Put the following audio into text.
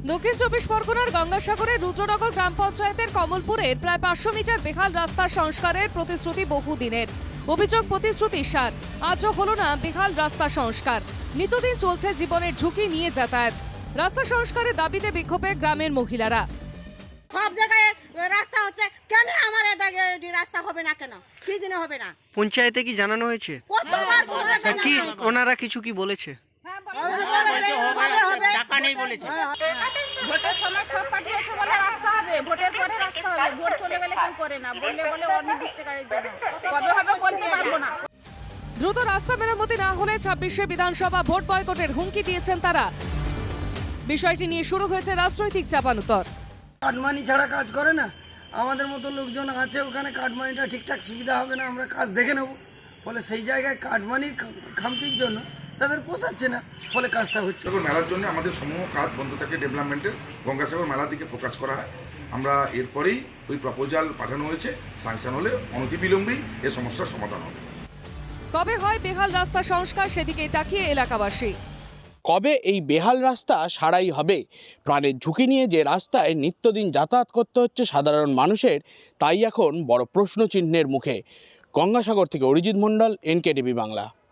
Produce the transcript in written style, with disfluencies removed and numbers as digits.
দক্ষিণ চব্বিশ পরগনার গঙ্গাসাগরের রুদ্রনগর গ্রাম পঞ্চায়েতের কমলপুরের প্রায় ৫০০ মিটার বেহাল রাস্তা সংস্কারের প্রতিশ্রুতি বহুদিনের। অভিযোগ প্রতিশ্রুতি সার, আজও হলো না বেহাল রাস্তা সংস্কার। নিত্যদিন চলছে জীবনের ঝুঁকি নিয়ে যাতায়াত। রাস্তা সংস্কারের দাবিতে বিক্ষোভে গ্রামের মহিলারা। সব জায়গায় রাস্তা হচ্ছে, কেন আমার এদিকে রাস্তা হবে না? কেন কি দিনে হবে না? পঞ্চায়েতে কি জানানো হয়েছে? কতবার বলেছে, কি ওনারা কিছু কি বলেছে? টাকা নেই বলেছে। ভোটের সময় সব পার্টি এসে বলে রাস্তা হবে, ভোটের পরে রাস্তা হবে, ভোট চলে গেলে কেউ করে না, বললে বলে অনির্দিষ্টকালের জন্য, কবে হবে বলতে পারবো না। দ্রুত রাস্তা মেরামতি না হলে ২৬শে বিধানসভা ভোট বয়কটের হুমকি দিয়েছেন তারা। বিষয়টি নিয়ে শুরু হয়েছে রাজনৈতিক চাপানুতর। কাটমানি ছাড়া কাজ করে না, আমাদের মতো লোকজন আছে ওখানে, কাটমানিটা ঠিকঠাক সুবিধা হবে না, আমরা কাজ দেখে নেব। ফলে সেই জায়গায় কাটমানির খামতির জন্য তাদের পোষাচ্ছে না, ফলে কাজটা হচ্ছে। মেলার জন্য আমাদের সমূহ কাজ বন্ধ থাকে, ডেভেলপমেন্টের গঙ্গাসাগর মেলার দিকে ফোকাস করা হয়। আমরা এরপরেই ওই প্রপোজাল পাঠানো হয়েছে, স্যাংশন হলে অনতিবিলম্বেই এ সমস্যার সমাধান হবে। কবে হয় বেহাল রাস্তা সংস্কার, সেদিকেই তাকিয়ে এলাকাবাসী। কবে এই বেহাল রাস্তা সারাই হবে? প্রাণের ঝুঁকি নিয়ে যে রাস্তায় নিত্যদিন যাতায়াত করতে হচ্ছে সাধারণ মানুষের, তাই এখন বড় প্রশ্নচিহ্নের মুখে। গঙ্গাসাগর থেকে অরিজিৎ মণ্ডল, NKTV বাংলা।